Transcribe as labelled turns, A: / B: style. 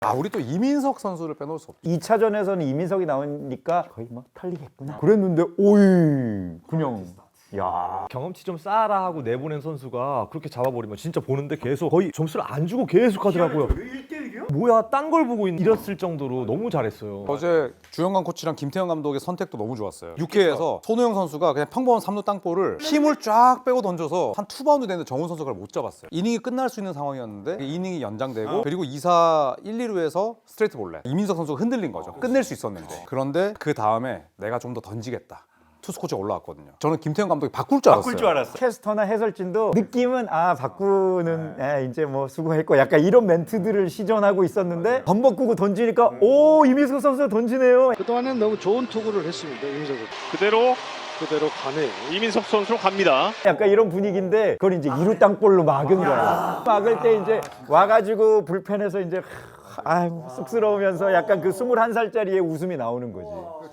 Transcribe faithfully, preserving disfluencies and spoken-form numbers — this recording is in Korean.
A: 아, 우리 또 이민석 선수를 빼놓을 수 없죠.
B: 이 차전에서는 이민석이 나오니까 거의 뭐 털리겠구나 그랬는데 오이 그냥 야
C: 경험치 좀 쌓아라 하고 내보낸 선수가 그렇게 잡아버리면 진짜 보는데 계속 거의 점수를 안 주고 계속 하더라고요. 일 대 일이요? 뭐야 딴 걸 보고 이랬을 정도로 너무 잘했어요.
A: 어제 주영강 코치랑 김태형 감독의 선택도 너무 좋았어요. 육 회에서 손호영 선수가 그냥 평범한 삼 루 땅볼을 힘을 쫙 빼고 던져서 한 투 바운드 되는데 정훈 선수가 못 잡았어요. 이닝이 끝날 수 있는 상황이었는데 이닝이 연장되고 그리고 이 사 일, 이 루에서 스트레이트 볼넷 이민석 선수가 흔들린 거죠. 끝낼 수 있었는데 그런데 그 다음에 내가 좀 더 던지겠다. 투수 코치가 올라왔거든요. 저는 김태형 감독이 바꿀 줄 알았어요.
B: 바꿀 줄 알았어. 캐스터나 해설진도 느낌은 아 바꾸는 에, 이제 뭐 수고했고 약간 이런 멘트들을 시전하고 있었는데 덤벅구고 던지니까 오 이민석 선수가 던지네요.
D: 그동안은 너무 좋은 투구를 했습니다. 이민석은
E: 그대로
D: 그대로 가네요.
E: 이민석 선수로 갑니다.
B: 약간 이런 분위기인데 그걸 이제 이루 땅볼로 막은 거야. 막을 때 이제 와가지고 불펜에서 이제 아 쑥스러우면서 약간 그 스물한 살짜리의 웃음이 나오는 거지.